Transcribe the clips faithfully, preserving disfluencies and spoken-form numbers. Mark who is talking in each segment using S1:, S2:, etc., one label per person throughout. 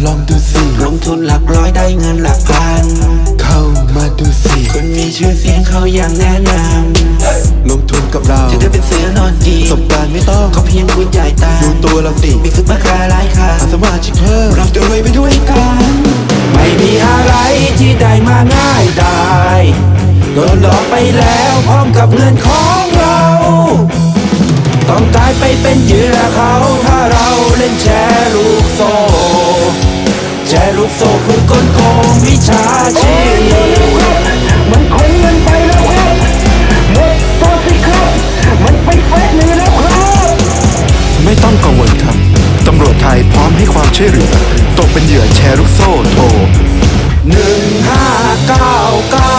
S1: ลองดูสิ
S2: ลงทุนหลักร้อยได้เงินหลักพัน
S1: เข้ามาดูสิ
S2: คนมีชื่อเสียงเขาอย่างแนะน
S1: ำลงทุนกับเรา
S2: จะได้เป็นเสือนอนกิน
S1: ประสบการณ์ไม่ต้อง
S2: เขาเพียงคุณจ่ายตา
S1: ดูตัวเราสิ
S2: มีซุปเปอร์คาร์หลายคัน
S1: สมาชิกเพิ่ม
S2: เราจะรวยไปด้วยกันไม่มีอะไรที่ได้มาง่ายได้โดนหลอกไปแล้วพร้อมกับเงินของเราต้องตายไปเป็นเหยื่อเขาถ้าเราเล่นแชร์ลูกโซ่แชร์ลูกโซ่คือกลโกงวิชาชีพมันคงเงินไปแล้วครับหมดตัวสิครับมันไปเฟซนี้แล้วครับ
S1: ไม่ต้องกังวลครับตำรวจไทยพร้อมให้ความช่วยเหลือตกเป็นเหยื่อแชร์ลูกโซ่โทร
S2: หนึ่งห้าเก้าเก้า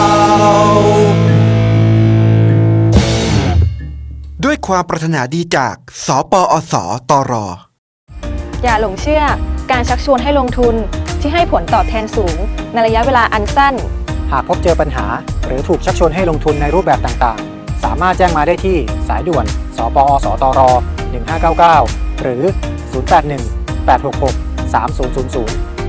S1: ด้วยความปรารถนาดีจากสปอสตร
S3: อย่าหลงเชื่อการชักชวนให้ลงทุนที่ให้ผลตอบแทนสูงในระยะเวลาอันสั้น
S4: หากพบเจอปัญหาหรือถูกชักชวนให้ลงทุนในรูปแบบต่างๆสามารถแจ้งมาได้ที่สายด่วนสปอสตรหนึ่งห้าเก้าเก้าหรือศูนย์ แปด หนึ่ง แปด หก หก สาม ศูนย์ ศูนย์ ศูนย์